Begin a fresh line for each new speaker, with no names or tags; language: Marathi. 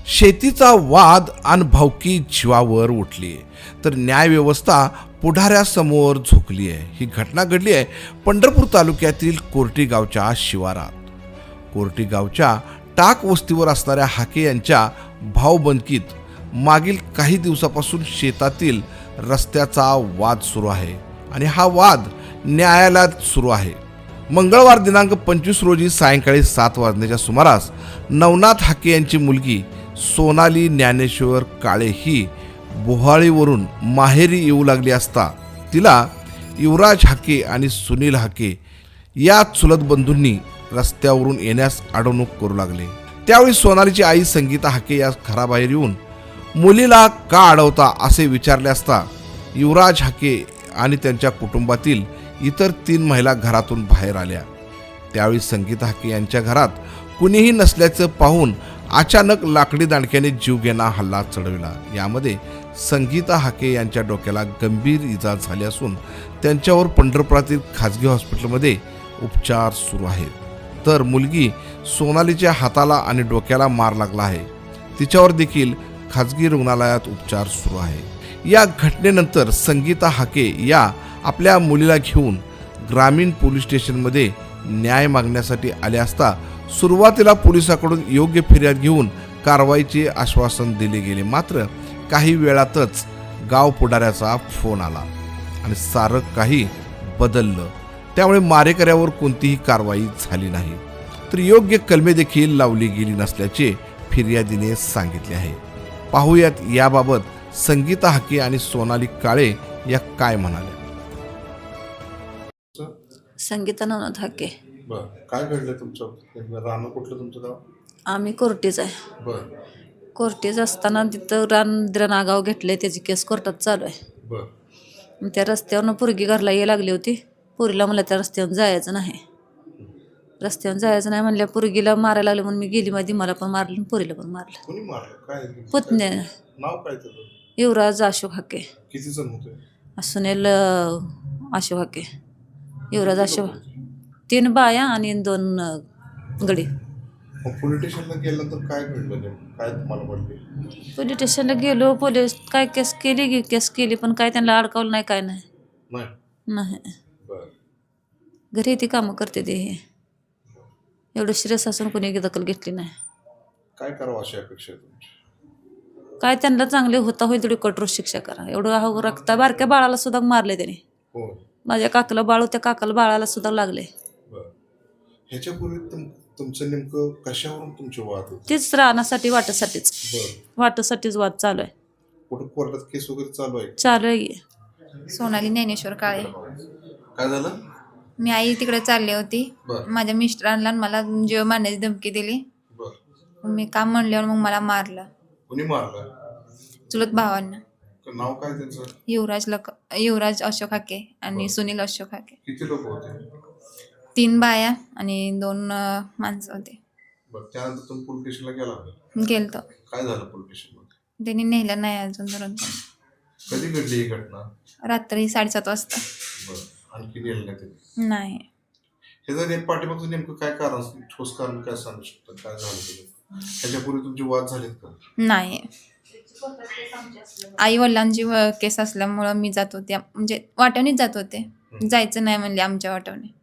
शेतीचा वाद आणि भावकी जीवावर उठली आहे तर न्यायव्यवस्था पुढाऱ्यासमोर झुकली आहे. ही घटना घडली आहे पंढरपूर तालुक्यातील कोर्टी गावच्या शिवारात. कोर्टी गावच्या टाक वस्तीवर असणाऱ्या हाके यांच्या भाऊबंदकीत मागील काही दिवसापासून शेतातील रस्त्याचा वाद सुरू आहे आणि हा वाद न्यायालयात सुरू आहे. मंगळवार दिनांक 25 रोजी सायंकाळी 7 वाजण्याच्या सुमारास नवनाथ हाके यांची मुलगी सोनाली ज्ञानेश्वर काळे ही बोहाळीवरून माहेरी येऊ लागली असता तिला युवराज हाके आणि सुनील हाके या चुलत बंधूंनी रस्त्यावरून येण्यास अडवणूक करू लागले. त्यावेळी सोनालीची आई संगीता हाके या घराबाहेर येऊन मुलीला का अडवता असे विचारले असता युवराज हाके आणि त्यांच्या कुटुंबातील इतर 3 महिला घरातून बाहेर आल्या. त्यावेळी संगीता हाके यांच्या घरात कुणीही नसल्याचं पाहून अचानक लाकडी दांडक्याने जीवघेणा हल्ला चढविला. यामध्ये संगीता हाके यांच्या डोक्याला गंभीर इजा झाली असून त्यांच्यावर पंढरपुरातील खाजगी हॉस्पिटलमध्ये उपचार सुरू आहेत. तर मुलगी सोनालीच्या हाताला आणि डोक्याला मार लागला आहे. तिच्यावर देखील खाजगी रुग्णालयात उपचार सुरू आहे. या घटनेनंतर संगीता हाके या आपल्या मुलीला घेऊन ग्रामीण पोलीस स्टेशनमध्ये न्याय मागण्यासाठी आले असता सुरुवातीला पोलिसांकडून योग्य फिर्याद घेऊन कारवाईचे आश्वासन दिले गेले. मात्र काही वेळातच गाव पुढाऱ्याचा फोन आला आणि सारं काही बदललं. त्यामुळे मारेकऱ्यावर कोणतीही कारवाई झाली नाही तर योग्य कलमे देखील लावली गेली नसल्याचे फिर्यादीने सांगितले आहे. पाहूयात याबाबत संगीता हाके आणि सोनाली काळे या काय म्हणाल्या.
संगीता नवनाथ हाके.
बर, काय घडलं तुमचं? रान कुठलं तुमचं गाव?
आम्ही कोर्टीच आहे.
बर
कोर्टीच असताना तिथं रान नागाव घेतले, त्याची केस कोर्टात चालू आहे.
बर
मग त्या रस्त्यावरनं पोरगी घरला यायला लागली होती. पोरीला मला त्या रस्त्यावर जायचं नाही, रस्त्यावर जायचं नाही म्हणल्या. पोरगीला मारायला लागलं म्हणून मी गेली मध्ये, मला पण मारलं आणि पोरीला पण मारलं.
कोणी मारलं? काय
पुतण्या
नाव काय त्याचं?
युवराज अशोक हाके.
किती जण होते?
सुनील अशोक हाके. युवराज अशोक. 3 बाया आणि 2 गडी.
मग पोलीस स्टेशनला गेल्यानंतर काय घडलं? काय तुम्हाला म्हणले?
पोलीस स्टेशनला गेलो, पोलीस काय केस केली पण काय त्यांना अडकावलं नाही, काय नाही. नाही
बर
घरी ती कामं करते ते. एवढं सिरियस असून कोणी दखल घेतली नाही.
काय करावं अशी अपेक्षा आहे तुमची?
काय त्यांना चांगले होता होईल तेवढी कठोर शिक्षा करा. एवढं रक्ता बारक्या बाळाला सुद्धा मारले त्याने.
हो.
माझ्या काकाला बाळ, त्या काकाला बाळाला सुद्धा लागले.
बर, ह्याच्यापूर्वी तुमचं नेमकं कशावरून तुमचे वाद होते?
तीच राहण्यासाठी वाटासाठीच.
बर,
वाटासाठीच वाद चालू आहे.
कुठं कोर्टात केस वगैरे चालू आहे?
चालू आहे.
सोनाली ज्ञानेश्वर काळे.
काय झालं?
मी आई तिकडे चालली होती.
बर
माझ्या मिस्टरांना मला जीव मारण्याची धमकी दिली.
बर,
मी काम म्हणल्यावर मग मला मारलं.
कोणी मारलं?
चुलत भावांना.
नाव काय त्यांचं?
युवराज अशोक हाके आणि सुनील अशोक हाके.
किती लोक होते?
3 बाया आणि 2 माणसं होते.
बर, त्यानंतर तुम्ही पोलीस स्टेशनला गेला?
गेलतो.
काय झालं पोलीस स्टेशनमध्ये?
त्यांनी नेलं नाही अजून धरून.
कधी घडली ही घटना?
रात्री 7:30 वाजता.
बर, आणखी नेलं नाही ते?
नाही.
हे जर एक पाठीमागचं नेमकं काय कारण, ठोस कारण काय सांगू शकतं? काय झालं त्याच्यात? ह्याच्यापूर्वी तुमचे वाद झालेत का?
नाही. आई वडिलांची केस असल्यामुळं मी जात होते, म्हणजे वाटवणीच जात होते. जायचं नाही म्हणले आमच्या वाटवणे.